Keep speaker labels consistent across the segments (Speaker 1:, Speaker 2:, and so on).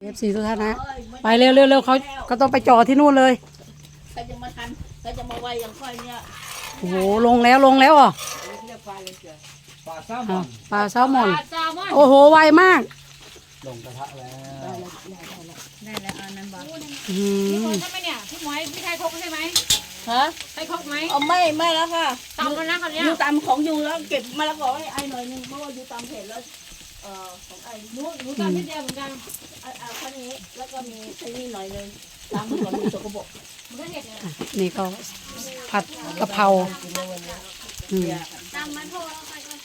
Speaker 1: FC ทุกท่านนะไปเร็วเร็วเร็วเขาต้องไปจ่อที่นู่นเลย
Speaker 2: ใครจะมาทันใครจะมาไวอย่างค่อยเนี่ย
Speaker 1: โอ้โหลงแล้วอ่ะ
Speaker 3: ปลาแซลมอน
Speaker 1: ปลาแซลมอนโอ้โหไวมาก
Speaker 3: ลงกระทะแล้ว
Speaker 2: ได้แล้วอันนั้นบ้าง
Speaker 4: พี่คนใช่ไหมเนี่ยพี่หมวยพี่ไทยคกใช่ไหม
Speaker 2: ฮะ
Speaker 4: ไทยคกไหม
Speaker 2: เอาไม่แล้วค่ะ
Speaker 4: ตำแล้วนะคนเนี้ย
Speaker 2: ยูตำของยูแล้วเก็บมะละกอให้ไอหน่อยนึงเพราะว่ายูตำเผ็ดแล้วของไอ
Speaker 4: หนูตำนิดเดียวเหมือนกัน
Speaker 2: ข้าวนี้แล้วก็มีไอ้นี่หน่อยนึงตำก่อนมีสกปรก
Speaker 4: มันก็เห็ดเนี่ย
Speaker 1: นี่ก็ผัดกะเพรา
Speaker 4: ตำมันโทรแล้วไปก่อน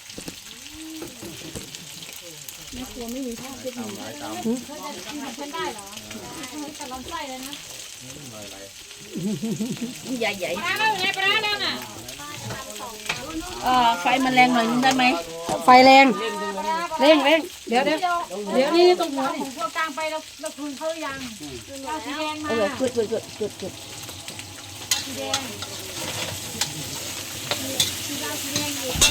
Speaker 2: แม่ครัวไม่มีท่าเด็ดหนึ่ง
Speaker 4: เขาจะกินกับฉันได้เหรอแต่ลำไส้เลยนะ
Speaker 2: ใหญ่
Speaker 4: ปลาแล้วไงปลาแล้วน่ะ
Speaker 2: ไฟมันแรงหน่อยนึงได้ไหม
Speaker 1: ไฟแรงเร่งเดี๋ยวนี่ตรงหัวนี่
Speaker 4: ของพวกกลางไปเราคืนเขายังเอาสีแดงมา
Speaker 2: จุด
Speaker 4: สีแดงสีแดงอีก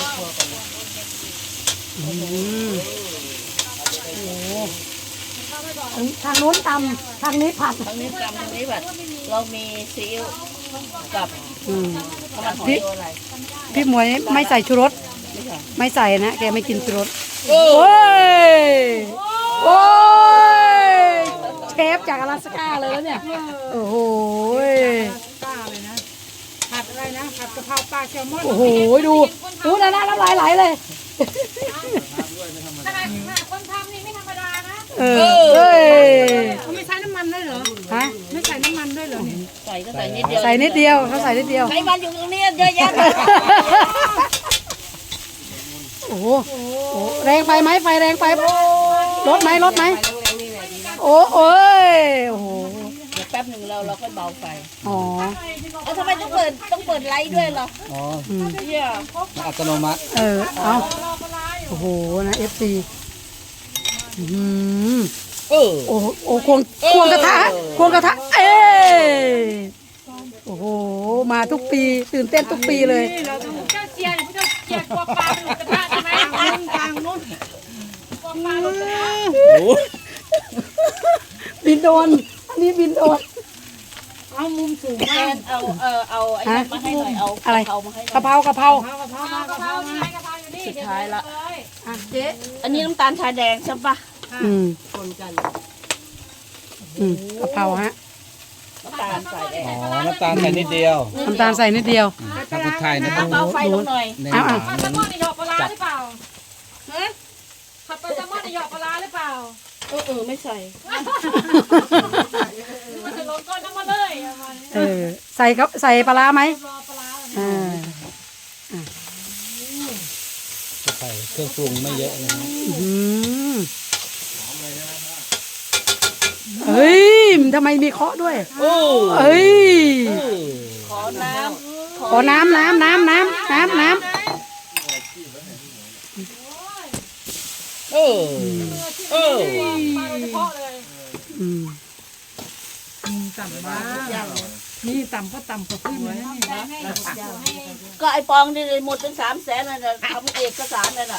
Speaker 1: ทางนู้นตำทางนี้ผัด
Speaker 2: ทางนี้ตำทางนี้แบบเรามีซีอิ๊วกับ
Speaker 1: พี่หมวยไม่ใส่ชูรสไม่ใส่นะแกไม่กินชูรสโอ้ยเชฟจากอลาสก้าเลยแล้วเนี่ยโอ้โห
Speaker 4: ป้าเลยนะผัดอะไรนะผัดกะเพราปลาแซลมอน
Speaker 1: โอ้โหดูนะน้ำลายไหลเลย
Speaker 4: ทำไมคนทำนี่ไม่ธรรมดานะเขาไม่ใช้น้ำมันด้วยเหรอ
Speaker 1: ฮะ
Speaker 4: ไม่ใส่น้ำมันด้วยเหรอเนี่ย
Speaker 2: ใส่ก็ใส่นิดเดียว
Speaker 1: ใส่นิดเดียวเขาใส่นิดเดียว
Speaker 2: ไขมันอยู่ตรงนี้เยอะแยะ
Speaker 1: โอ้โหแรงไปไหมไฟแรงไปลดไหมโอ้โห
Speaker 2: เดี๋ยวแป๊บหนึ่งเราค่อยเบาไฟ
Speaker 1: อ๋อ
Speaker 2: ทำไมต้องเปิดไลท์ด้วยเหรอ
Speaker 3: อ๋อ
Speaker 2: เนี่ย
Speaker 3: อัตโนมัติ
Speaker 1: เอาโอ้โหนะ FC โอ้ควงกระทะโอ้โหมาทุกปีตื่นเต้นทุกปีเลย
Speaker 4: เราต้องเจ้าเจียพระเจ้าเจียกลัวปลาหลุดกระทะใช่ไหมกลางนู้นกลัวปลาหลุดกระทะ
Speaker 1: บินโดนอันนี้บินโดน
Speaker 4: เอามุมสูงมา
Speaker 2: เอาไอ้มาให้หน่อยเอา
Speaker 1: อะไร
Speaker 2: เอามาให้
Speaker 1: กะเพรากะเพรา
Speaker 4: อยู่นี่
Speaker 2: สุดท้ายละ
Speaker 1: เจ๊
Speaker 2: อันนี้น้ำตาลชาแดงใช่ปะคนกัน
Speaker 1: กะเพราฮะ
Speaker 2: น้ำตาลใส่แดง
Speaker 3: น้ำตาลใส่นิดเดียว
Speaker 1: ถ้า
Speaker 3: คนไทยนะ
Speaker 2: เบาไฟลงหน่อย
Speaker 4: ผัดแซลมอนในหยอกปลาหรือเปล่าผัดแซลมอนในหยอกปลาหรือเปล่า
Speaker 2: ไม่ใส่
Speaker 4: มันจะลงก้นน้ำมาเลย
Speaker 1: ใส่ปลาร้าไหม
Speaker 3: ใส่เครื่องปรุงไม่เยอะนะ
Speaker 1: เฮ้ยทำไมมีเคาะด้วยเฮ้ย
Speaker 2: ขอน้ำ
Speaker 4: ต่ำมากนี่ต่ำก็ต่ำกว่าขึ้นเลยนี่
Speaker 2: ก็ไอปองนี่หมดเป็น300,000นั่นน่ะทำเอกสารนั่นน่ะ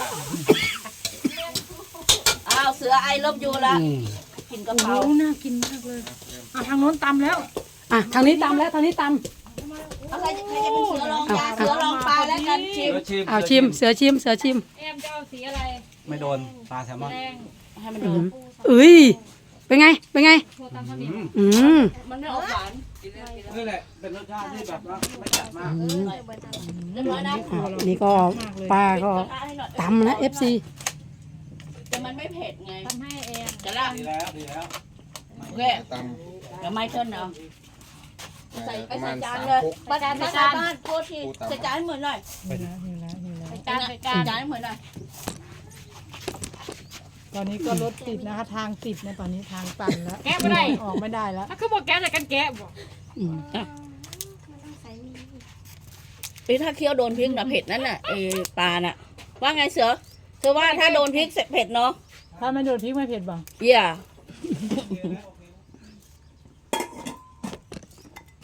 Speaker 2: เสือไอลบอยู่ละกินกะเพรา
Speaker 4: น่ากินมากเลยทางโน้นตำแล้ว
Speaker 1: ทางนี้ตำแล้วทางนี้ตำ
Speaker 2: อะไรใครจะเป็นเสือลองยาเสือลองปลาแล้วกัน
Speaker 1: ชิมเสือชิม
Speaker 4: แอมจะเอาสีอะไร
Speaker 3: ไม่โดนปลาแซลมอน
Speaker 2: ให้มันโดน
Speaker 1: เป็นไง
Speaker 2: มันไม่ออกหวาน
Speaker 3: นี่แหละเป็นรสชาติที่แบบว่าไม่จัดมาก
Speaker 2: เรียบร้อยนะ
Speaker 1: นี่ก็ปลาก็ตำนะ FC
Speaker 2: แต่มันไม่เผ็ดไง
Speaker 4: ทำให้เอง
Speaker 2: จะละ
Speaker 3: ดีแล้ว
Speaker 2: แค่เดี๋ยวไม่เท่าเนาะใส่จานเลยบ้านโคตรที่ใส่จานให้เหมือนหน่อยจานให้เหมือนหน่อย
Speaker 4: ตอนนี้ก็รถติดนะคะทางติดนะตอนนี้ทางตันแล้วแกะไม่ได้ออกไม่ได้แล้วถ้าคือบอกแกะแต่กันแกะบอก
Speaker 2: ถ้าเคี้ยวโดนพริกน่ะเผ็ดนั่นน่ะปลาน่ะว่าไงเสือว่าถ้าโดนพริกเผ็ดเนาะ
Speaker 4: ถ้าไม่โดนพริกไม่เผ็ดบ่
Speaker 2: เยี่ยโอ้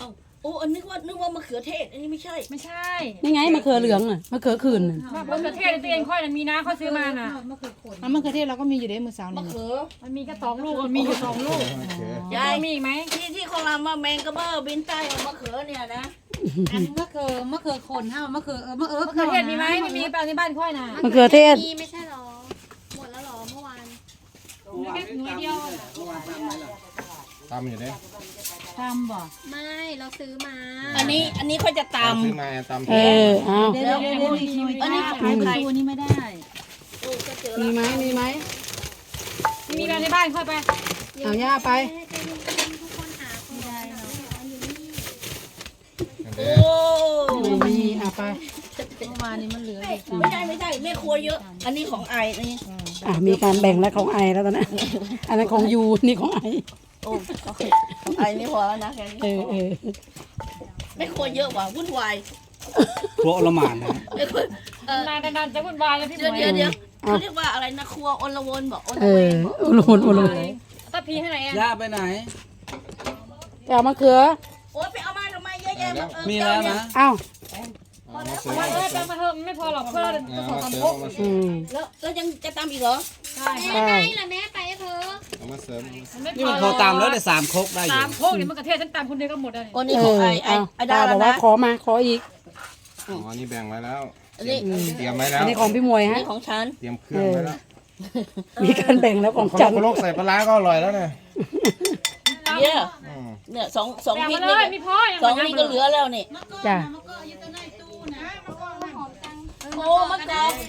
Speaker 2: อ้อันนึกว่ามะเขือเทศอันนี้ไม่ใช่
Speaker 4: ไม่ใช่
Speaker 1: นี่ไงมะเขือเหลืองน่ะมะเขือขื่นน่ะ
Speaker 4: มะเขือเทศตัวเองค่อยมีนะเขาซื้อมาน่ะ
Speaker 5: มะเขือเทศเราก็มีอยู่ในมือสาว
Speaker 2: มะ
Speaker 5: นี่
Speaker 2: เขือ
Speaker 4: มันมีแค่2 ลูกมันมีอยู่2 ลูก
Speaker 2: ยาย
Speaker 4: มีอีกไหม
Speaker 2: ที่เขาลามาแมงกระเบ้อบินใต้เอามะเขือเนี่ยนะ
Speaker 5: อันมะเขือโคนห้ามะเขือ
Speaker 4: มะเขือเทศมีไหมไม่มีแปลในบ้านค่อยน่ะ
Speaker 1: มะเขือเทศ
Speaker 6: มีไม่ใช่หรอ หมดแล้วหรอเมื่อวาน
Speaker 4: แค่หน่วยเดียว
Speaker 7: ตำอยู่เนี่ย
Speaker 5: ทำบ่
Speaker 6: ไม่เราซื้อมา
Speaker 2: อันนี้เขาจะต
Speaker 7: ซื้อมาตำ
Speaker 1: เออเอา
Speaker 5: เดี๋ยวอันนี้ขายประตูนี้ไม่ได้
Speaker 1: มีไหมมีไหม
Speaker 4: มีแปลในบ้านค่อยไป
Speaker 1: เอาย่าไป
Speaker 6: ทุกคนหาคนได้เนาะอยู่นี่
Speaker 2: ำโอ้
Speaker 1: ไม่มีเอาไป
Speaker 5: เมื่อวานนี้มันเหลือ
Speaker 2: ไม่ใช่แม่ครัวเยอะ อันนี้ของไอนี่
Speaker 1: มีการแบ่งแล้วของไอแล้วตอนนั้นอันนั้นของยูนี่ของไอ
Speaker 2: โอ้ของไอนี่พอแล้วนะแค่นี้
Speaker 1: เออ
Speaker 2: แม่ครัวเยอะว่ะวุ่นวาย
Speaker 3: ครัวอลหมานนะ
Speaker 2: แม่ครัวน
Speaker 4: านๆจะวุ่นวายแล้วพี่หมวย
Speaker 2: เดี๋ยวเขาเรียกว่าอะไรนะครัวอลวนบอกอล
Speaker 1: เอ
Speaker 2: เว
Speaker 1: อน
Speaker 2: บอก
Speaker 1: โอโลนโอโลน
Speaker 4: ตะพีให้ไหนอ่ะ
Speaker 3: ย่าไปไหน
Speaker 1: ไปเอามะเขือ
Speaker 2: โอ้ยไปเอามาทำไมเยอะแยะมา
Speaker 3: มีแล้วนะ
Speaker 1: เอ้า
Speaker 7: มาซื้อ
Speaker 4: วันแปลมาเถอะไม่พอหรอกเพื่อจะขอ
Speaker 7: มา
Speaker 4: ทำ
Speaker 7: ซื้อ
Speaker 4: พก
Speaker 7: มาซื้
Speaker 1: อื
Speaker 7: อ
Speaker 1: ม
Speaker 2: แล้วยังจะตามอีกเหรอ
Speaker 4: ใช่
Speaker 6: แม่ไงล่ะแม่ไปเถอะ
Speaker 7: เอามาเสริม
Speaker 3: นี่มันพอตามแล้วได้3 ครกได้อยู่
Speaker 4: 3 พกเนี่ยมันกระเทศฉันตามคนเดียวก็หมดเลย
Speaker 2: โอ้นี่ของไอ
Speaker 1: เอา
Speaker 2: ไอดา
Speaker 1: บ
Speaker 2: แล้
Speaker 1: อ
Speaker 2: ว
Speaker 1: กว่า
Speaker 2: นะ
Speaker 1: ขอมาขออีก
Speaker 7: อ๋อนี่แบ่งไว้แล้ว
Speaker 2: อันนี้
Speaker 7: เตรียมไว้แล้ว
Speaker 1: อันนี้ของพี่มวยฮะ
Speaker 2: นี่ของฉัน
Speaker 7: เตรียมเครื่องไว้แล้ว
Speaker 1: มีการแบ่งแล้วของ
Speaker 7: คน
Speaker 1: จัน
Speaker 7: โลกใส่ปลาร้าก็อร่อยแล้วเนี่ย
Speaker 2: เนี่ย
Speaker 7: อืม
Speaker 2: เนี่ยสอง
Speaker 4: แบ่ง
Speaker 2: พริ
Speaker 4: มาก เลย
Speaker 2: นี่
Speaker 4: มีพอ
Speaker 2: สองนี่ก็เหลือแล้วนี่
Speaker 1: จ้ะ
Speaker 2: โอ้มะกอก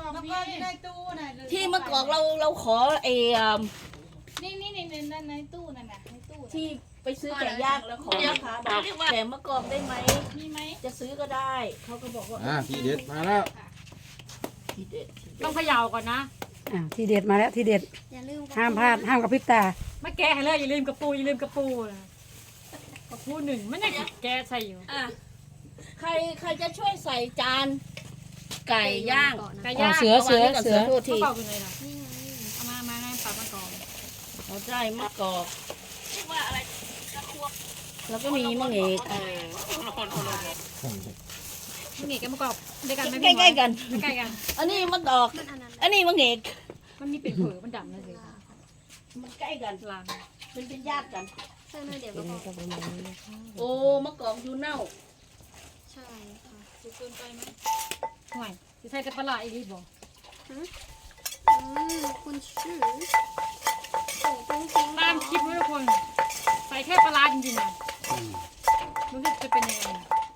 Speaker 2: ที่มะกอกเราขอไอ้
Speaker 6: นี่ในตู้นั่นน่ะในตู้
Speaker 2: ที่ไปซื้อไก่ย่างแล้วขอราคาบอกแต่มะกอกได้ไหม
Speaker 6: มีไหม
Speaker 2: จะซื้อก็ได้เขาก็บอกว่า
Speaker 7: ทีเด็ดมาแล้ว
Speaker 2: ทีเด็ด
Speaker 4: ต้องเขย่าก่อนนะ
Speaker 1: ทีเด็ดมาแล้วทีเด็ด
Speaker 6: อย่าลืม
Speaker 1: ห้ามพลาดห้ามกับพริบตา
Speaker 4: ไม่แกะให้เลยอย่าลืมกระปูนะกระปู1มันยังแกะใส่อยู่
Speaker 2: อ่ะใครจะช่วยใส่จานไก่ย่าง
Speaker 4: ไก่ย่าง
Speaker 1: เสือ
Speaker 2: โทษที
Speaker 4: เปล่าอยู่เลยนะ
Speaker 6: นี่ไง
Speaker 4: เอามาปรับมาก่อน
Speaker 2: เขาใจมะกอกเรียกว่าอะไรแล้วก็มีมะเงก
Speaker 4: มันหนีกันมากรอบด้วยกันไหม
Speaker 2: ใกล้ๆกัน
Speaker 4: ใกล้กัน
Speaker 2: อันนี้มะกอก
Speaker 6: มันอันนั้น
Speaker 2: อันนี้มะเงก
Speaker 4: มันมีเป็นเผือมันดำนะสิ
Speaker 2: มันใกล้กัน
Speaker 4: ลาง
Speaker 2: เป็นญาติกัน
Speaker 6: ใช่เลยเดี๋ยวก็บอก
Speaker 2: โอ้มะกอกอยู่เน่า
Speaker 6: ใช่ค่ะ
Speaker 4: ห่วยจะใส่แต่ปลาอีกทีบอก
Speaker 6: คุณชื่อจริงๆ
Speaker 4: ตามคลิปนะทุกคน ใส่แค่ปลาจริงๆนะรู้สึกจะเป็นยังไง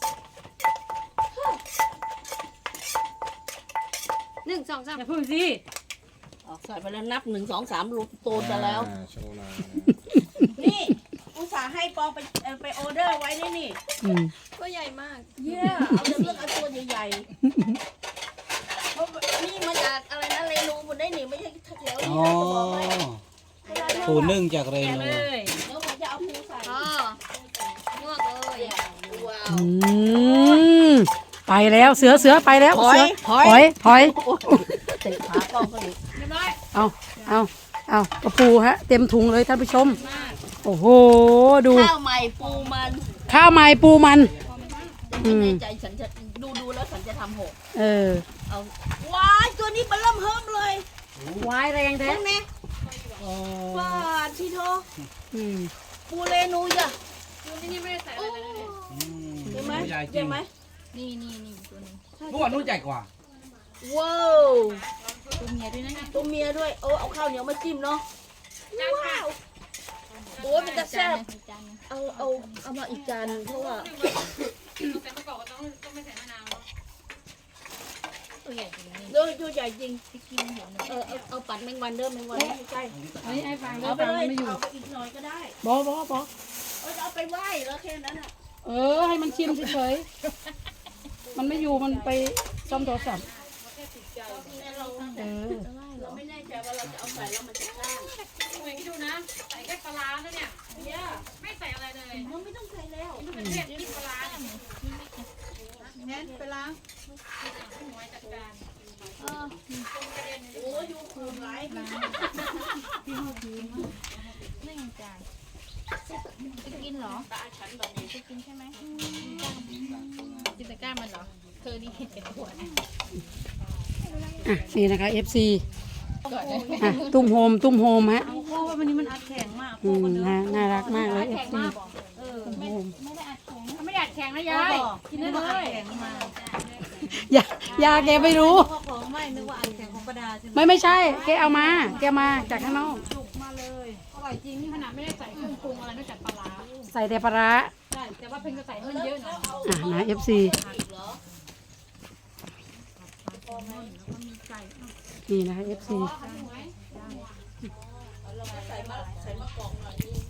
Speaker 6: 1 2 3
Speaker 4: อย่าพึ่งสิ
Speaker 2: ใส่ไปแล้วนับ1 2 3ลูกโตจะแล้ว
Speaker 7: โชว์หน่อย
Speaker 2: นี่อุตส่าห์ให้ปองไปออเดอร์ไว้นี่
Speaker 6: ก็ใหญ่มาก
Speaker 2: เยี่ยเอาจะเลือกเอาตัวใหญ่ๆเพราะนี่มาจากอะไรนะเรนูบนได้หนิไม่ใช่แถว
Speaker 3: อ๋
Speaker 2: นี้
Speaker 3: อ
Speaker 2: นะจะบอกไหม
Speaker 3: ปูนึ่งจากเร
Speaker 4: แกะ
Speaker 3: นู
Speaker 4: เลย
Speaker 2: เดี๋ยวผมจะเอาปูใส่
Speaker 6: อ๋อลวกเลย
Speaker 2: ว้าว
Speaker 1: ไปแล้วเสือไปแล้ว
Speaker 2: ถอย
Speaker 1: เสื
Speaker 2: ถอย
Speaker 1: ถอย
Speaker 2: เตะขากล้องก็ดิ
Speaker 4: เรียบร้อย
Speaker 1: เอากระปูฮะเต็มถุงเลยท่านผู้ชม โอ้โหดู
Speaker 2: ข้าวใหม่ปูมัน
Speaker 1: ข้าวใหม่ปูมัน
Speaker 2: ไม่แน่ใจฉันจะดูแล้วฉันจะทำหก
Speaker 1: เออ
Speaker 2: เอาว้ายตัวนี้มันเริ่มเฮิมเลยว
Speaker 4: ายแรงแท้
Speaker 2: เห็นไหมว้าทีโท
Speaker 1: อืม
Speaker 2: ปูเรนูจ้ะ
Speaker 6: นี่ไม่ได้ใส่อะไรเลย
Speaker 2: เห็นไหม
Speaker 3: ใหญ่จริ
Speaker 2: เห็
Speaker 3: ง
Speaker 2: นไหม
Speaker 6: นี่ตัวนึง
Speaker 3: เมื่อวานนู้นใหญ่กว่า
Speaker 2: ว้าว
Speaker 6: ตัวเมียด้วยนะ
Speaker 2: ตัวเมียด้วยเอาข้าวเหนียวมาจิ้มเนาะว้าวโอ้ยเป็นตาแซ่บเอามาอีกจานหนึ่งเพราะว่า
Speaker 4: แต่ประกอบก็ต้องไม่ใส่มะนาว
Speaker 6: ตัวใหญ่จริงนี่
Speaker 2: ตัวใหญ่จริง
Speaker 6: กินหัวหนู
Speaker 2: เอาปัดแมงวันเด้อแมงวันไม่ใกล้
Speaker 1: ไอ้ฟัง
Speaker 2: เอาไปเลยเอาไปอีกหน่อยก็ได้
Speaker 1: บอ
Speaker 2: เอาไปไหว้แล้วแค่นั้นอ่ะ
Speaker 1: ให้มันชิมเฉยๆมันไม่อยู่มันไปซ่อมโทรศัพท์เออ
Speaker 2: เราไม่แน่ใจว่าเราจะเอาใส่แล้วมันจะกล้าง
Speaker 4: เหมือนดูนะ ใส่แค่ปลาแล้วเนี่ย
Speaker 2: เนี่ย
Speaker 4: ไม่ใส่อะไรเลย
Speaker 2: มันไม่ต้องใส่แล้ว
Speaker 4: มันเป็นเทศกินปลาเนี่ย
Speaker 5: แม่ไปล้าง
Speaker 4: หน่วยจัดการ
Speaker 2: โอ้ยอยู่คูณไร
Speaker 6: ไม่จานกินเหรอจะกินใช่ไหมกินแต่ก้านมันเหรอเธอนี่เห็นแก่ตัวนะ
Speaker 1: อ่ะนี่นะคะ FC อ่ะตุ้มโฮมฮะ
Speaker 5: เอาโค้ว่าวันนี้มันอัดแข็งมาก
Speaker 1: อืมนะน่ารักมากเลย FC ตุ้มโฮม
Speaker 6: ไม่ได้อัดแข็ง
Speaker 4: ไม่ได้อัดแข็งนะยาย
Speaker 5: กินได้เลยแข็งมา
Speaker 1: ยาแกไม่รู้
Speaker 5: เพราะของไม่นึกว่าอัดแข็งของประดาใช่ไหม
Speaker 1: ไม่ใช่ แกเอามา แกมาจากข้างนอก
Speaker 4: จุกมาเลยอร่อยจริงนี่ขนาดไม่ได้ใส่เครื่องปรุงอะไรนอกจากปลาร้า
Speaker 1: ใส่แต่ปลาร้า
Speaker 4: ใช่แต่ว่าเพิ่งจะใส่ให้มันเยอะหน่อย
Speaker 1: อ่ะนะ FC นี่นะคะ FC
Speaker 2: ใส่มะกอกหน่อยนึง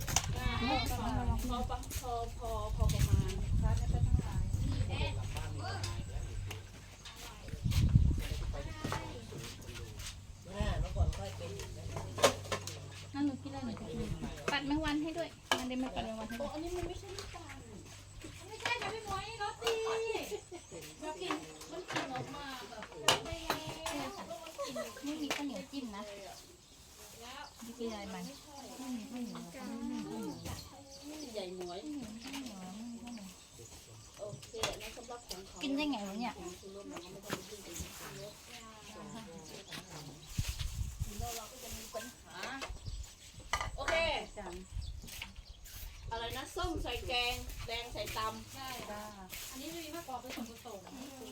Speaker 2: พอประมาณร้านนี้ก็ต้องการ
Speaker 6: นั่นหนูกินอะไรหนูจะกินปัดแมงวันให้ด้วยมันได้ไม่ปัดแมงวันให้ด้วยอันนี้มันไม่ใช่น้ำตาลไม่ใช่ค่ะพี่หมวยรสดีเรากินมันกินออกมาแบบไม่มีข้าวเหนียวจิ้มนะนี่กินอะไรมัน
Speaker 2: ใหญ่หมวยโอเคนั่นสำหรับของเขา
Speaker 6: กินได้ไงวะเนี่ย
Speaker 2: โอเคอะไรนะส้มใส่แกงแดงใส่ตำ
Speaker 6: ใช่อันนี้จะมีมะกอกเป็นส่วนผสม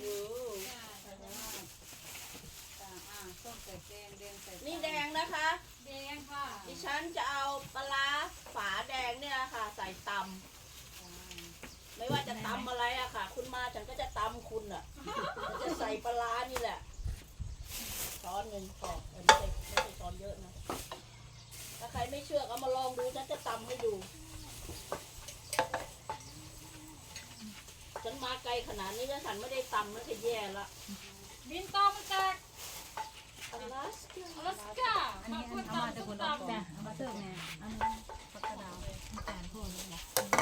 Speaker 2: นี่แดงนะคะ
Speaker 6: แดงค่ะ
Speaker 2: ดิฉันจะเอาปลาร้าฝาแดงเนี่ยค่ะ ใส่ตำไม่ว่าจะตำอะไรอะค่ะ คุณมาฉันก็จะตำคุณอะจะใส่ปลาร้านี่แหละช้อนหนึ่งพอไม่ใช่ช้อนเยอะนะถ้าใครไม่เชื่อก็มาลองดูฉันจะตำให้ดูฉันมาไกลขนาดนี้แล้วฉันไม่ได้ตำมันจะแย่ละ
Speaker 4: บินต่อมาจาก
Speaker 2: อลาส
Speaker 4: อลาสก้า
Speaker 5: อันนี้เอามาจากคนออกจ้ะเอามาเติมไงอันนี้ผักกระดาวน้ำตาลพวกนี้แหละ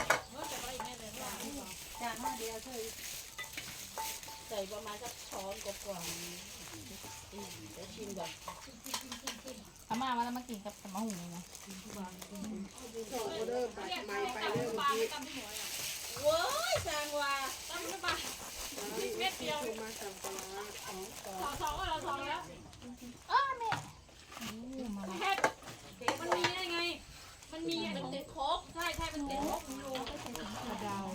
Speaker 5: จากมาเดียวเธอ
Speaker 2: ใส่ประมาณสักช้อนกว่าๆเดี๋ยวชิมก่อน
Speaker 6: อาม่ามาแล้วมากินกับมะหุ่งเลยนะ
Speaker 2: เว้ยจางว่า
Speaker 4: เม็ดเดียวสองก็เราสองแล้ว แค่มันมีได้ไง มันมีอ่ะ
Speaker 2: มันติดครบ
Speaker 4: ใช่ใช่มันติดลบอยู่
Speaker 5: กระดาว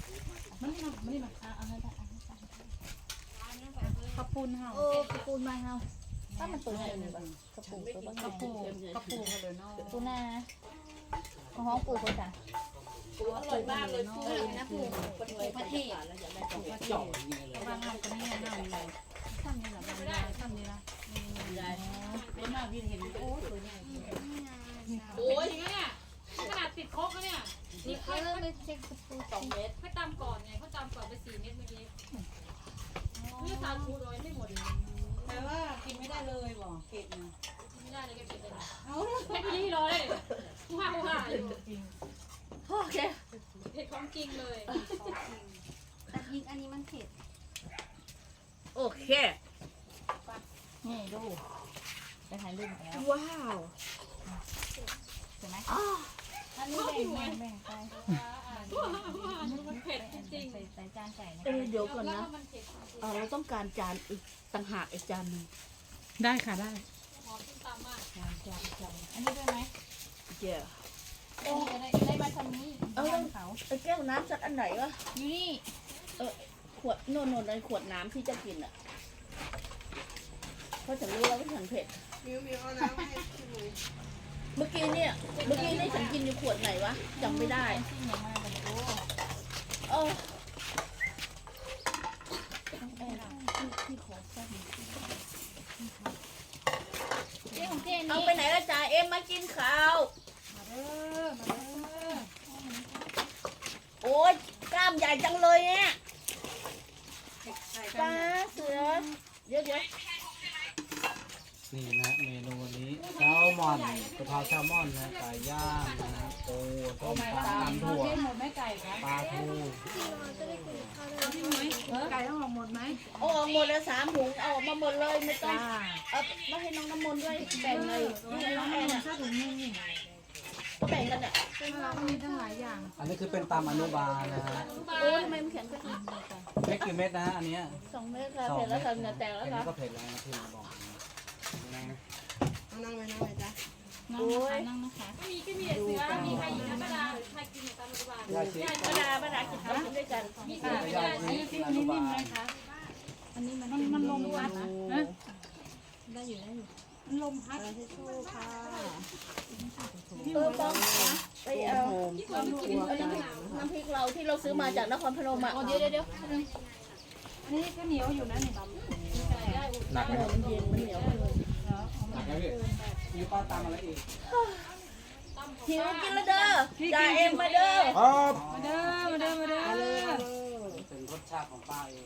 Speaker 6: กระปูนเฮากระปูนมาเฮาถ้ามันตัวใหญ่เลยกระปูตัวบ้างกระปูกันเลยเนาะปูนาของห้องปูคนจ้ะ
Speaker 2: ปูอร่อยมากเลยปูนะปู
Speaker 6: ประเทศ
Speaker 2: แล้วอยากได้ปู
Speaker 3: เจาะอย่างนี้เลย
Speaker 5: บางงานก็นี่น่าเลยทำนี่แหละบางงานทำนี่ละ
Speaker 2: เป็นมากพี่เห็นโอ้ยตัวใหญ่
Speaker 4: โอ้ยจริงๆเนี่ยขนาดติดครกแล้วเนี่ยนี่
Speaker 6: ไม่ใช่กระปู
Speaker 2: 2 เมตร
Speaker 4: ให้ตามก่อนไงเขาตามก่อนไป4 เม็ดเมื่อกี้นี่สาคูโดยไม่หมดเลย
Speaker 5: แต่ว่ากินไม่ได้เลยบอกเผ็ดนะ
Speaker 4: ไม่ได้เลยแกเก็บเลยให้พี่รอเลยว้าวว้าอยู่
Speaker 2: โอเค
Speaker 4: เผ็ดของจริงเลย
Speaker 6: แต่ยิงอันนี้มันเผ็ด
Speaker 2: โอเค
Speaker 6: นี่ดูไปถ่ายรูปแล้ว
Speaker 2: ว้าว
Speaker 6: ใช่ไหมอันนี้แบ่งไป
Speaker 4: มันเผ็ดจริง
Speaker 6: ใส่จานใส่นะ
Speaker 2: เดี๋ยวก่อน
Speaker 4: แล้ว
Speaker 2: นะ
Speaker 4: มันเผ็ด
Speaker 2: เราต้องการจานอีกต่างหากอีกจานหนึ่ง
Speaker 1: ได้ค่ะได้
Speaker 4: หอมตามมาก
Speaker 6: อันนี้ด้วยไหม
Speaker 2: เจ้า
Speaker 6: ได้มาทำนี้เขา
Speaker 2: ไอ้แก้วน้ำสักอันไหนวะ
Speaker 6: อยู่นี่
Speaker 2: ขวดโน่นในขวดน้ำที่จะกินอ่ะเพราะฉันรู้แล้วว่าฉันเผ็ดเมื่อกี้นี่ฉันกินอยู่ขวดไหนวะจำไม่ได้
Speaker 6: ที่ไหนมาแต่ไม่รู้
Speaker 2: เออ
Speaker 6: เจ๊ของเจ๊
Speaker 2: เอา
Speaker 6: นี่
Speaker 2: ไปไหนละจ่าเอ็มมากินข้าว โอ๊ยกล้ามใหญ่จังเลยเนี่ยปลาเสือเดี๋ยว
Speaker 3: นี่นะเมนูวันนี้แซลมอนกะเพราแซลมอนนะไก่ย่างนะปูต้มปลาตำถั่วปลาทู
Speaker 5: ไก่ต้องออกหมดไหม
Speaker 2: เอาออกหมดแล้ว3 ถุงเอาออกมาหมดเลยไม่ต้องเอามาให้น้องน้ำมนต์ด้วยแบ่งเลยนี่น้องแอนอ่ะ
Speaker 5: ถ้าถุงนึงนี่
Speaker 2: ก็แบ่งกันอ่ะ
Speaker 5: เป็นอะไร
Speaker 4: ก็มีตั้งหลายอย่าง
Speaker 3: อันนี้คือเป็นตำอนุบาลนะฮะ
Speaker 2: โอ้ยทำไมมันแข็งกว่าอีก
Speaker 3: เม็ดกี่เม็ดนะฮะอันเนี้ย
Speaker 2: 2 เมตรค่ะเสร็จแล้วค่ะเหงื่อแตกแล้ว
Speaker 3: อัน
Speaker 2: ค่ะ
Speaker 3: นี้ก็เผ็ดแล้วนะที่มาบอกนะ
Speaker 6: นั่งนะคะนั่งนะคะ
Speaker 5: มีก็มีเสือมีใครอยู่นะป้าดาใครกินตามรัฐบาล
Speaker 3: ยายสิ
Speaker 2: ป้าดากินข้าวกินด้วยกัน
Speaker 5: มีเสือไม่ได้
Speaker 3: ยายสิอนุบาล
Speaker 6: อันนี้มัน
Speaker 4: มันลมพัดนะ
Speaker 6: ได้อยู่ได้อยู่
Speaker 4: มันลมพัด
Speaker 6: ค่ะ
Speaker 2: ต้องไปเอาน้ำพริกเราที่เราซื้อมาจากนครพนมอ่ะ
Speaker 6: เดี๋ยว
Speaker 4: อันนี้ก็เหนียวอยู่นะนี่
Speaker 7: หนักไหมครับ
Speaker 2: มันเย็นมันเหนียว
Speaker 7: หนักไหมพี่
Speaker 3: มีป้าตำอะไรอีก
Speaker 2: หิวกินแล้วเด้อจ่าเอ็มมาเด้อ
Speaker 7: ครับ
Speaker 4: มาเด้อมาเด้อมาเด้อ
Speaker 3: เป็นรสชาติของป้าเอง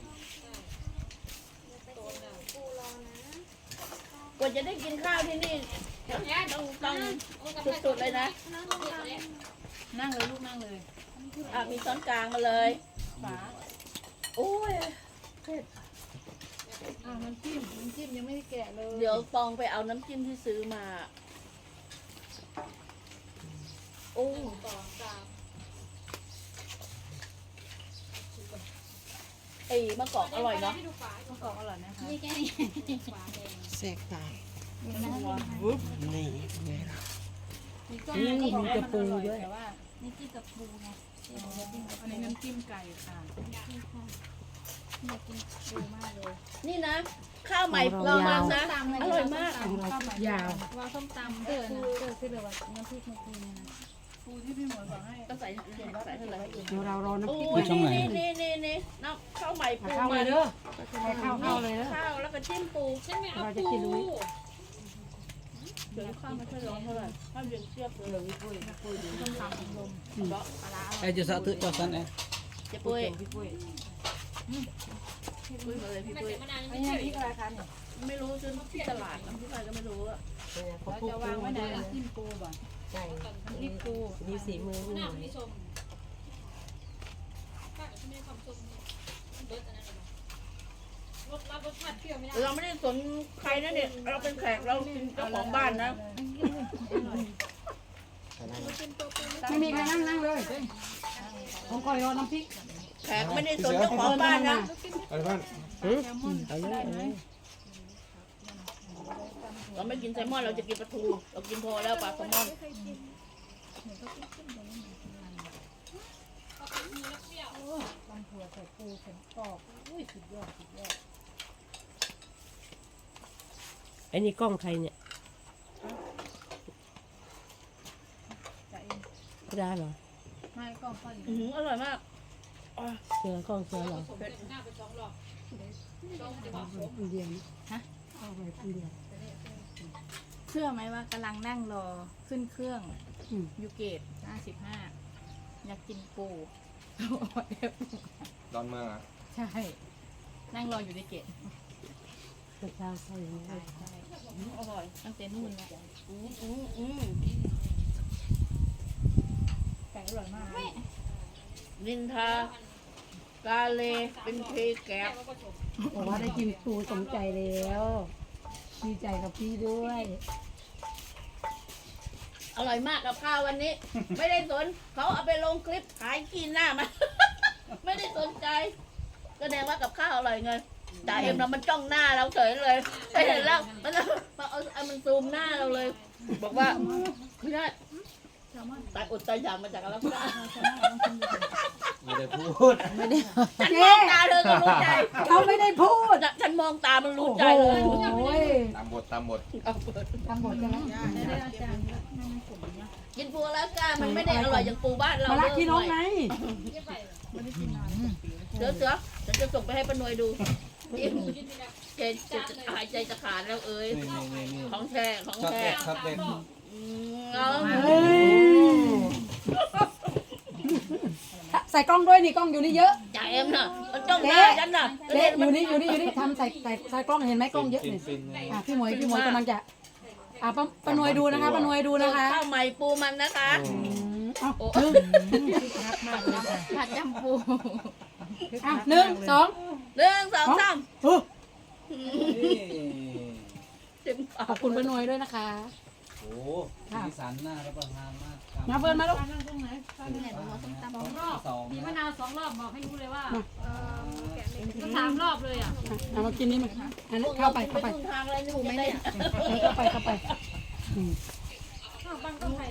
Speaker 2: กว่าจะได้กินข้าวที่นี่ต้องสุดๆเลยนะ
Speaker 4: นั่งเลยลูกนั่งเลย
Speaker 2: มีช้อนกลางมาเลยโอ้ย
Speaker 4: น้ำจิ้มยังไม่ได้แกะเลย
Speaker 2: เดี๋ยวปองไปเอาน้ำจิ้มที่ซื้อมาโอ้ไอ้มะกอกอร่อยเนาะ
Speaker 4: มะกอกอร่อยนะคะ
Speaker 6: นี่แค่นี้
Speaker 1: แสกตาย
Speaker 4: นี่
Speaker 1: นี่
Speaker 4: มีกระปูด้วยแต่ว่า
Speaker 6: นี่กินกับปูไง
Speaker 4: อันนี้น้ำจิ้มไก่ค่ะ
Speaker 6: อยากกินปูมากเลย
Speaker 2: นี่นะ ข้าวใหม่เรามานะอร่อยมาก
Speaker 1: ยาว
Speaker 6: ว่าส้มตำคือแบบว่าน้ำพริกมะกรูดเนี่ยนะ
Speaker 4: ปูที่พี่หมวยบอกให้
Speaker 2: ก็ใส่ใส่เท่าไหร่
Speaker 1: เดี๋ยวเรารอน้ำ
Speaker 2: โอ้
Speaker 1: พริก
Speaker 2: ยนี่น้ำข้าวใหม่ปู
Speaker 1: เข้าเลยเด้อเข้าเลยเด้อ
Speaker 2: ข้าวแล้วก็จิ้มปู
Speaker 5: ฉันไม่เอา
Speaker 1: เราจะ
Speaker 5: ปู
Speaker 1: กินรู้
Speaker 2: เดี๋ยวข้าวไม่ค่อยร้อนเท่าไหร่ข้าวเย็นเชียบเลย
Speaker 3: ไอ้จะสะตึกจะสันเอง
Speaker 2: เจ๊ปุ้ยพี่ปุ้ยมาเลยพี่ปุ้ย
Speaker 5: มานาน
Speaker 4: อั
Speaker 5: ไม่
Speaker 4: นนี้
Speaker 5: เฉย
Speaker 4: พริกอะไรคะเนี่ย
Speaker 2: ไม่รู้ซื้อที่ตลาดน้ำที่ไหนก็ไม่รู้อะ
Speaker 4: เราจะวางไว้ไหนน้ำจิ้มปูบ่ะ
Speaker 1: ใช่
Speaker 4: น้ำพริกปู
Speaker 1: มีสีมือ
Speaker 5: หน้าไม่ชมป้ากับที่ไม่ความชมเบิร์ดอันนั้นรสรับรสชาติเปรี้ยวไม่ได้
Speaker 2: เราไม่ได้สนใครนะเนี่ยเราเป็นแขกเราเป็นเจ้าของบ้านนะ
Speaker 1: ไม่มีใครนั่งเลยผมคอยรอน้ำพริก
Speaker 2: แขกไม่ได้สนเจ้าของบ้านนะ
Speaker 7: อะไรเพื่อน
Speaker 1: เอาเลย
Speaker 2: เราไม่กินแซลมอนเราจะกินปลาทูเรากินพอแล้วปลาแซลมอน
Speaker 4: ตำถั่วใส่ปูใส่กรอบอุ้ยสุดยอด
Speaker 1: ไอ้นี่กล้องใครเนี่ยไม่ได้เหรอ
Speaker 4: ไม่ก็พอดี
Speaker 2: อร่อยมาก
Speaker 1: เสือกล้องเสือเหรอ
Speaker 5: หน้าไป2 รอบจะบอก
Speaker 1: คนเดียวฮะเอาไปคนเดียว
Speaker 6: เชื่อไหมว่ากำลังนั่งรอขึ้นเครื่อง
Speaker 1: อืม
Speaker 6: ยูเกต55อยากกินปู
Speaker 7: ดอนเมืองอ่ะ
Speaker 6: ใช่ นั่งรออยู่ในเกต
Speaker 1: กระชากใส่ยังไง
Speaker 2: อร่อย
Speaker 6: ตั้งแต่นู่นแล้ว
Speaker 4: ไก่อร่อยมาก
Speaker 2: นินทากาเลเป็นเพแกบ
Speaker 1: บอกว่าได้กินปูสมใจแล้วดีใจกับพี่ด้วย
Speaker 2: อร่อยมากกับข้าววันนี้ ไม่ได้สนเขาเอาไปลงคลิปขายกินหน้ามัน ไม่ได้สนใจแสดงว่ากับข้าวอร่อยไงจ่าเอ็มเรามันจ้องหน้าเราเฉยเลยไม่เห็นแล้วมันเอามันซูมหน้าเราเลย บอกว่าไม่ได้ตายอดตายอยากมาจากอะไรก็ได้
Speaker 3: ไม่ได้พูด
Speaker 1: ไม่ได้
Speaker 2: ฉันมองตาเธอก็รู้ใจ
Speaker 1: เขาไม่ได้พูด
Speaker 2: ฉันมองตามันรู้ใจเลย
Speaker 1: โอ้ย
Speaker 7: ตามบทตามบท
Speaker 2: เอาเปิด
Speaker 1: ทำหมดใช่ไหม
Speaker 2: กินปูแล้วก้ามันไม่ได้อร่อยอย่างปูบ้านเรา
Speaker 1: มาลักพี่น้องไง
Speaker 2: เสือฉันจะส่งไปให้ป้านวยดูจะหายใจจะขาดแล้วเอ้ย
Speaker 3: นี่
Speaker 2: ของแท้ของ
Speaker 3: ช็อต
Speaker 2: แท้
Speaker 3: เด็ดช็อตเด็ด
Speaker 2: เอา
Speaker 1: เฮ้ยใส่กล้องด้วยนี่กล้องอยู่นี่เยอะ
Speaker 2: จ่าเอ็มน่ะมันจ้องหน้าฉันน่ะ
Speaker 1: เด็อยู่นี่ทำใส่กล้องเห็นไหมกล้องเยอะนี่
Speaker 3: ฟินเลย
Speaker 1: พี่หมวยกำลังจะป้านวยดูนะคะป้านวยดูนะคะ
Speaker 2: ข้าวใหม่ปูมันนะคะโอ้
Speaker 6: ผัดจำปู
Speaker 1: หนึ่งสอง
Speaker 2: 1 2 3 เต็มปา
Speaker 1: ขอบคุณป้านวยด้วยนะคะ
Speaker 3: โอ้สีสันน่ารับประทานมาก
Speaker 1: มาเฟิร์นมาลูก
Speaker 4: นั่งตรงไหน
Speaker 6: เนี่ยหนูเอาส้มตำ
Speaker 4: 2 รอบ
Speaker 3: สอง
Speaker 4: มีมะ
Speaker 3: นะ
Speaker 4: นาว2 รอบบอกให้รู้เลยว่าก็3 รอบเลยอ่ะ
Speaker 1: เอามากินนี่มาอันนี้เข้าไป
Speaker 2: ครึ่งทางอะไรนี่ผมจะได้
Speaker 1: เข้าไปอืม
Speaker 4: บางก็ไข่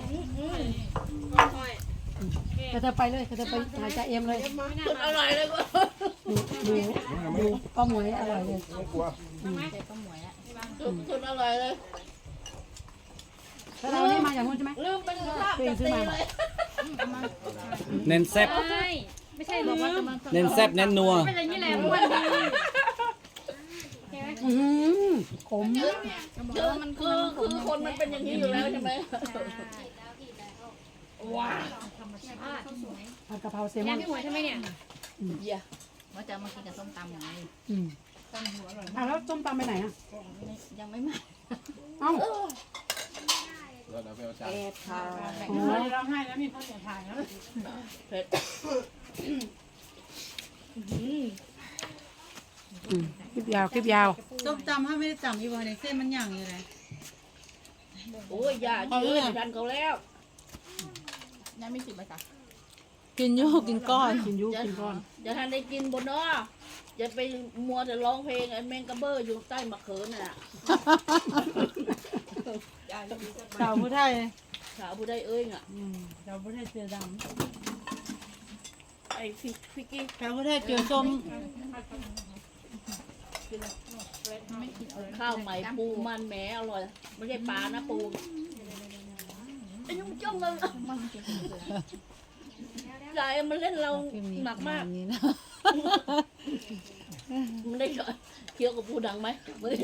Speaker 1: ก็จะไปเลยก็จะไปหาจ่าเอ็มเลย
Speaker 2: สุดอร่อยเลยก็
Speaker 1: ดูป้าหมวยอร่อยเลย
Speaker 7: ไม่กลัว
Speaker 2: สุดอร่อยเลย
Speaker 1: แล้วเรานี่มาจากนู้นใช่ไหม
Speaker 2: ลืมเป็นลาบจะตีเลย
Speaker 3: เน้นแซ่บ
Speaker 4: ไม่ใช่บอกว่าจะมา
Speaker 3: เน้นแซ่บเน้นนัว
Speaker 4: เป็นอย่างนี้แหละวันดี
Speaker 1: ขม
Speaker 2: คือคนมันเป็นอย่างนี้อยู่แล้วใช่ไหมว้า
Speaker 1: ผัดกะเพราเซลม
Speaker 4: ยั
Speaker 1: อง น
Speaker 4: พี่หมวยทำไมเนี่ย
Speaker 2: เยี่ย
Speaker 6: ว่าจะมากินกับส้มตำอย่างนี้
Speaker 1: แล้วส้มตำไปไหนอ่ะ
Speaker 6: ยังไม่มา
Speaker 1: เอ้า
Speaker 7: เราเดี๋ยวไปเอาจาน
Speaker 2: แอบทาน
Speaker 4: ร้องไห้แล้วมีคนเสียถ่ายแล้ว
Speaker 2: เผ็ด
Speaker 1: คลิปยาวคลิปยาว
Speaker 5: ส้มตำถ้าไม่ได้ตำอีกวันในเส้นมันอย่างอยู่เลย
Speaker 2: โอ้ยอย่ายืนทันเขาแล้ว
Speaker 6: ยังไม่สิบไหมคะ
Speaker 5: กินโยกกินก้อน
Speaker 1: กินยุกินก้อน
Speaker 2: อย่าทันได้กินบนเนาะอย่าไปมัวแต่ร้องเพลงไอ้แมงกะเบอร์อยู่ใต้มะเขือน่ะ
Speaker 5: สาวผู้ไทย
Speaker 2: สาวผู้ใดเอ้ยอ่ะ
Speaker 5: สาวผู้ไทยเจอด
Speaker 2: ไอ้ฟิกกี้
Speaker 5: ำสาวผู้ไทยเจอส้ม
Speaker 2: ข้าวใหม่ปูมันแหมอร่อยไม่ใช่ปลานะปูไอ้ยุ่งจ้องเลยยายมันเล่นเราหนักมาก
Speaker 5: นี้นะ
Speaker 2: มันได้เคี้ยวกับปูดังไหมไม่ได้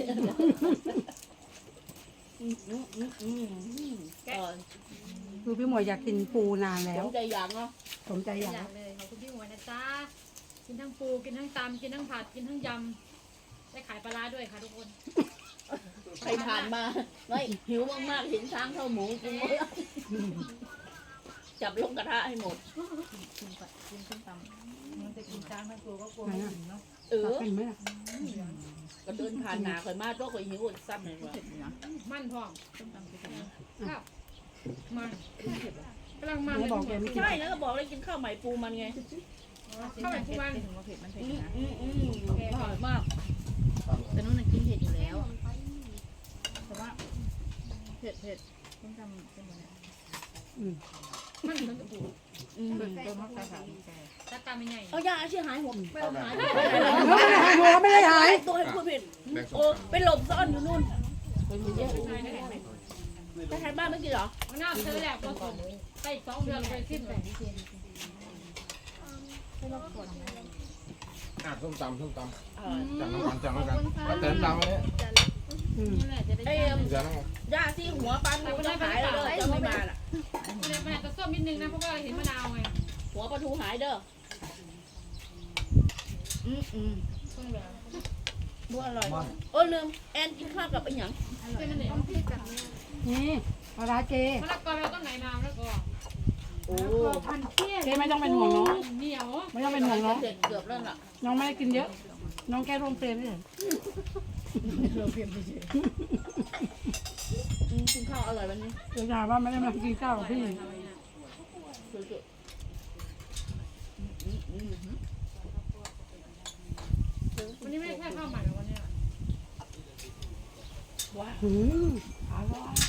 Speaker 2: เออ
Speaker 1: คือพี่หมวยอยากกินปูนานแล้
Speaker 2: ส
Speaker 1: ว
Speaker 2: นใจอย่างเนาะ
Speaker 1: สมใจอยาก
Speaker 4: อยากเลยขอบคุณพี่หมวยนะจ๊ะกินทั้งปูกินทั้งตำกินทั้งผัดกินทั้งยำได้ขายปลาร้าด้วยค่ะทุกคน
Speaker 2: ใครผ่านมาไม่หิวมากๆเห็นช้างเท่าหมูกินหมดแล้วจับลงกระทะให้หมด
Speaker 6: กินส้มตำ
Speaker 5: มันจะกินจานทั้งตัวก็กลัว
Speaker 1: ไหน
Speaker 5: ไม่
Speaker 1: อ่ะ
Speaker 5: ถึงเนาะ
Speaker 2: เออ
Speaker 1: เป็นไหมล่ะ
Speaker 2: ก็เดินผ่านหนาข่อยมาตัวข่อยหิวซ้ำเลยว่ะ
Speaker 4: มันพร้อม
Speaker 6: ส้มตำคืออะไร
Speaker 4: ข้าวมันกำลังมัน
Speaker 1: ไหนบอกแกไม่กิน
Speaker 2: ใช่แล้วก็บอกเลยกินข้าวใหม่ปูมันไง
Speaker 4: ข้าวแบบทุกวัน
Speaker 6: ถึงว่าเผ็ดมันเผ็ด
Speaker 2: อร่อยมาก
Speaker 6: แต่นู้นกินเผ็ดอยู่แล้วแต่ว่าเผ็ดส้มตำเป็นยังไง
Speaker 4: มันเหมือนกับปู
Speaker 6: ตัวมักกะสัน
Speaker 4: ตาตาไม่ใหญ่
Speaker 2: เอายาอาชีพหายหมดไม่เอาหาย
Speaker 1: ไม่ได้หาย
Speaker 2: ตัวให้พูดผิด
Speaker 7: แบ่งสอ
Speaker 2: โอ้
Speaker 7: ง
Speaker 2: ไปหลบซ่อนอยู่นู่นไปทานบ้านไม่กินเหรอ
Speaker 4: มันน่าซื้อแหละผสมไปอีก2 เดือนไปสิ้นเลย
Speaker 7: ส้มตำส้มต
Speaker 2: อร่อย
Speaker 7: ำจากน้ำกันจากน้ำกันแล้วเติมตำมาเนี่ย
Speaker 6: นี่แหละจะได้
Speaker 2: ไอ้
Speaker 7: จากน้ำกัน
Speaker 2: ยาที่หัวปันมันหายแล้วเด้อจะไม่มาล่ะ
Speaker 4: มันอาจจะส้มนิดนึงนะเพราะว่าเห็นมะนาวไง
Speaker 2: หัวปลาทูหายเด้อบัวอร่อยโอ้ลืมแอนกินข้าวกับไอ้หยัง
Speaker 4: เป็นมันเหนียว
Speaker 1: นี่ปลาร้าเจ
Speaker 4: มะละกอเราต้องไหนมาแล้วก็
Speaker 2: โอ้
Speaker 1: เจไม่ต้องเป็นห่วงน้อง
Speaker 4: เหนียว
Speaker 1: ไม่ต้องเป็นห่วงน้อง
Speaker 2: เสร็จเกือบแล้วล่ะ
Speaker 1: น้องไม่ได้กินเยอะ น้องแค่ร่วมเฟรมเฉย
Speaker 2: กินข้าวอร่อยวันนี้
Speaker 1: เดี๋ยวถามว่าไม่ได้มากินข้าวกับพี่
Speaker 2: สุด
Speaker 4: วันนี้ไม่ได้แค่ข้าวใหม่หรอกวันนี้
Speaker 2: ๆว้า
Speaker 1: อร่อย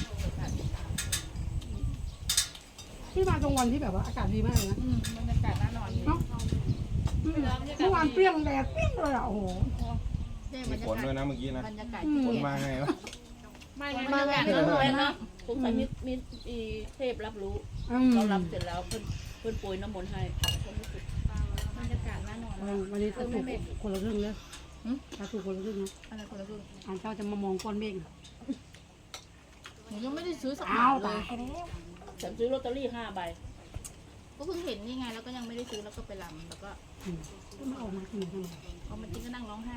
Speaker 1: พี่มาตรงวันที่แบบว่าอากาศดีมากเลยนะ
Speaker 6: บรรยากาศน่านอนดี
Speaker 1: เนาะเมื่อวานเปรี้ยงแดดเปรี้ยงเลยอ่ะโอ้โห
Speaker 6: ได้บ
Speaker 7: มี
Speaker 6: รรยา
Speaker 7: ฝน
Speaker 6: กาศ
Speaker 7: ด้วยนะเมื่อกี้นะ
Speaker 6: บรรยากาศ
Speaker 7: ฝนมาไงวะ
Speaker 4: ไม่ไง
Speaker 2: บรรยากาศอร่อยนะผมใส่มีเทพรับรู้เรารับเสร็จแล้วเพิ่นโปรยน้ำมนต์ให้
Speaker 6: บรรยากาศน่านอน
Speaker 1: วันนี้ถ้าถูกคนละครึ่งเลยถ้าถูกคนละครึ่งนะ
Speaker 6: อะไรคนละครึ่ง
Speaker 1: อ่านเจ้าจะมามองก้อนเมฆ
Speaker 6: หนูยังไม่ได้ซื้อสัก
Speaker 1: อ้าว
Speaker 6: เล
Speaker 1: ตาย
Speaker 6: ย
Speaker 2: ฉันซื้อลอตเตอรี่5 ใบ
Speaker 6: ก็เพิ่งเห็นนี่ไงแล้วก็ยังไม่ได้ซื้อแล้วก็ไปลำแล้วก็
Speaker 1: ไม่ออกมากินทำไม
Speaker 6: พอมากินก็นั่งร้องไห้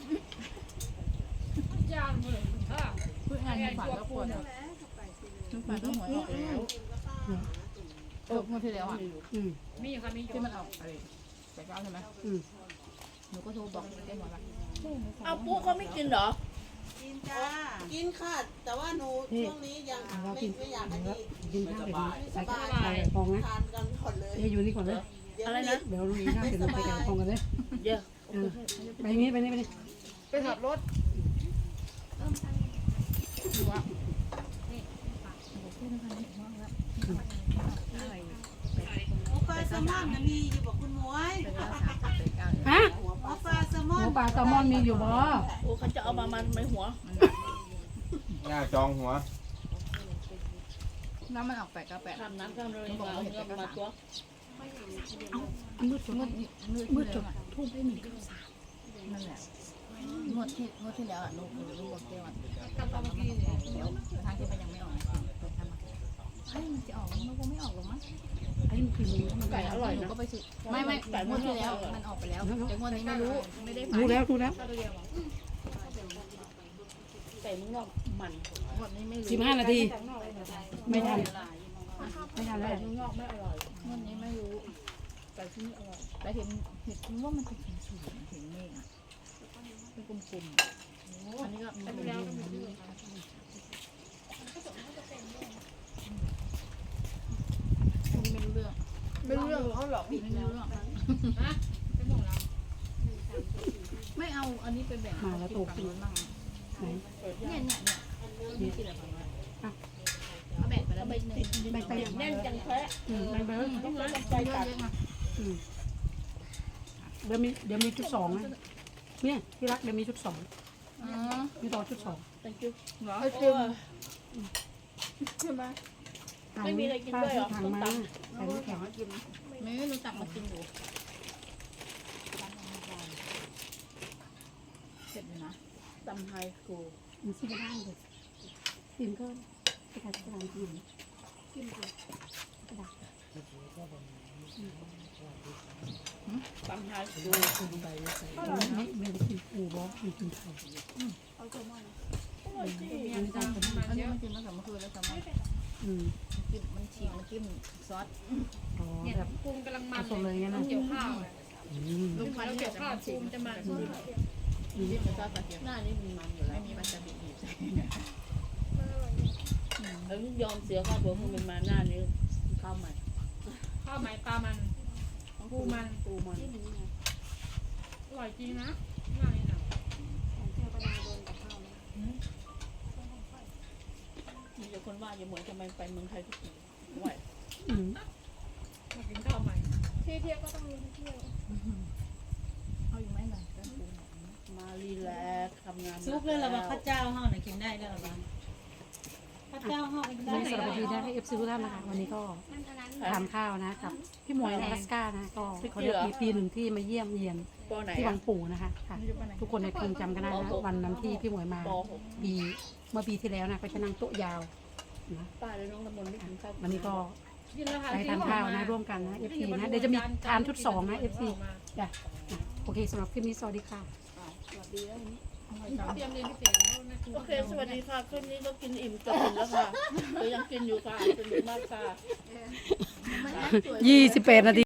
Speaker 4: ยานเลย
Speaker 6: เพื่อนงานฝันก็ปวดฝันก็หัวออกแล้วเมื่อที่แล้วอ่ะ
Speaker 4: มีอยู่ค่ะมีอยู่
Speaker 6: ที่มันออกอะไรไปเก้าใช่ไหมหนูก็โทรบอกแกหมดละ
Speaker 2: เอาปุ๊เขาไม่กินเหรอ
Speaker 8: กินจ้า กินค่ะ แต่ว่าหนูช่วงนี้ยัง
Speaker 1: เรา
Speaker 8: ไม่
Speaker 1: กิน
Speaker 8: ไม่อยากอันนี้
Speaker 1: กินข้าวเดี๋ยว
Speaker 8: ไม่ส
Speaker 1: ใส่
Speaker 8: บาย
Speaker 1: ใส่ฟองนะ
Speaker 8: ทานกันก่อนเลย
Speaker 1: อยู่นี่ก่อนเลย
Speaker 2: อะไรนะ
Speaker 1: เดี๋ยวลุงอีน่าเสร็จเราไปแกะกองกันเลย
Speaker 2: เดี๋ยว
Speaker 1: ไปนี่ไปนี่ไปนี่
Speaker 4: ไปขับรถ
Speaker 8: หมูปลาแซลมอนน่ะมีอยู่บอกคุณหมวย
Speaker 1: ฮะ
Speaker 8: หมูปลาแซลม
Speaker 1: ห
Speaker 8: อ
Speaker 1: มู
Speaker 8: น
Speaker 1: ปลาแซลมอนมีอยู่บ่
Speaker 2: โอ้เขาจะเอามามันไม่หัว
Speaker 7: หน้าจองหัว
Speaker 5: น้ำมันออกไปก็แปะ
Speaker 2: ทำน้ำข้ามเลยมาเอาเงินมาตัว
Speaker 1: มืดสุด
Speaker 5: มืดจนทุ่มได้1 9 3นั่นแหละงวดที่แล้วอ่ะลูกบอกแก้วอ่ะกลับมาเดี๋ยวทางที่มันยังไม่ออกทำมาเฮ้ยมันจะออกมันคงไม่ออกหรอกมั้ง
Speaker 1: ไอ้คือมัน
Speaker 2: ไก่อร่อย
Speaker 5: หนู
Speaker 2: นะ
Speaker 5: ก็ไปซื้อไม่งวดที่แล้วมันออกไปแล้วแต่งวดนี้ไม่รู้ไม่ได้
Speaker 1: รู้แล้วรู้แล้ว
Speaker 2: ไก่มึงนอกมัน
Speaker 5: งวดนี้ไม่รู้
Speaker 1: 15 นาทีไม่ทันไม่ทันแล้ว
Speaker 2: มึงนอกไม่อร่อย
Speaker 5: งวดนี้ไม่รู้
Speaker 2: ไก่ที่นี่อร่อย
Speaker 5: แต่เห็นว่ามันเป็นสูงเห็นเมฆอ่ะเป็นกลมๆอันนี้ก็ไม่รู้ไม่รู้เรื่องเขาหรอกไม่รู้เรื่องไม่เอาอันนี้ไปแบ่ง
Speaker 1: มาแล้วโตขึ้น
Speaker 5: บ้าง
Speaker 1: ไหน
Speaker 5: นี่กินอะไรบ้างเขาแบ่งไปแล้วไม่นึง
Speaker 1: ไปไป
Speaker 2: แน่นจังแท้
Speaker 1: ไปไป
Speaker 2: ต้องมาใจตัด
Speaker 1: เดี๋ยวมีชุด2นะเนี่ยที่รักเดี๋ยวมีชุด2มีต่อชุด2
Speaker 2: เป็นจุ๊บ
Speaker 5: เหรอ
Speaker 2: ไม่มีอะไรกินด้วยเหรอ
Speaker 1: ถัง
Speaker 2: ต้ม
Speaker 1: มา
Speaker 2: ต
Speaker 1: ใส่น้ำแข็ง
Speaker 5: ไม่รู้จักมากินอยู่เสร็จเลยนะ
Speaker 2: ำตำไทยกู
Speaker 1: มันซื้อได้เลยซิมก็กระดาษขนม
Speaker 2: ตำไทยกู
Speaker 1: ไม่ได้กินปูบอกกินไข่
Speaker 2: อร่อยจริง
Speaker 5: อันนี้มันกินมาสองคืนแล้วสมัยกินมันฉีกมันจิ้มซอส
Speaker 1: อ๋อแบบ
Speaker 4: ปรุงกำลัง
Speaker 1: ผ
Speaker 4: มัน
Speaker 1: สมเลยงั้นนะ
Speaker 4: เกี่ยวข้าวเลย
Speaker 5: ลูกพัน
Speaker 4: แล้ว
Speaker 5: เกี่
Speaker 4: เกี่
Speaker 5: ย
Speaker 4: ยว ว
Speaker 5: ข้า
Speaker 4: ข้าว ว
Speaker 5: ฉี
Speaker 4: ปรุ
Speaker 5: ก
Speaker 4: งจะมัน
Speaker 5: จิ้มซอสกระเทียม
Speaker 2: หน้านี้มันมันอยู่แล้
Speaker 5: ไม่
Speaker 2: ว
Speaker 5: มีมันจะบีบ
Speaker 2: แล้วยอมเสียค่าตัวมึงมันมาหน้านี้ข้าวใหม่
Speaker 4: ข้าวไหมปลามันปูมัน
Speaker 2: ปูมัน
Speaker 4: อร่อยจริงนะน่านี่นะ
Speaker 2: มีแต่คนว่าอย่าเหมือนทำไมไปเมืองไทยทุกทีไหว
Speaker 4: มากินข้าวใหม่
Speaker 5: เอาอยู่ไหมล่ะ
Speaker 2: มารีแลกซ์ทำงาน
Speaker 8: ซุปเลยเหรอวะข้าวเจ้าห่อน่ะกินได้แล้วเหรอวะข้าวเจ้าห่อกินได้
Speaker 1: นี่สำหรับวันนี้นะให้FCทุกท่านนะคะวันนี้ก็ทานข้าวนะกับพี่หมวยอลาสก้านะก็เขาเรียกปีหนึ่งที่มาเยี่ยมเยียน
Speaker 2: ปอไหน
Speaker 1: ที่วั
Speaker 2: อ่ะ
Speaker 1: งปู่นะคะค่ะทุกคนในคงจำกันได้นะวันนั้นที่พี่หมวยมา
Speaker 2: ป .6
Speaker 1: เมื่อปีที่แล้วนะก็จะนั่งโต๊ะยาวนะ
Speaker 2: ป้าและน้องน้ำมนต์ไม่กินข้าว
Speaker 1: วันนี้ก็
Speaker 4: กินแล้วค่ะ
Speaker 1: ไปทานข้าวนะร่วมกันนะ FC นะเดี๋ยวจะมีทานชุด2นะ FC จ้ะโอเคสำหรับคลิปนี้สวัสดีค่ะ
Speaker 2: สวัสดีแล้วนี่
Speaker 4: เตรียมเรียนพิเศษแล้วนะ
Speaker 2: โอเคสวัสดีค่ะคืนนี้ก็กินอิ่มจะกินแล้วค่ะเดี๋ยวยังกินอยู่ค่ะสนุกมากค่ะ
Speaker 1: 28 นาที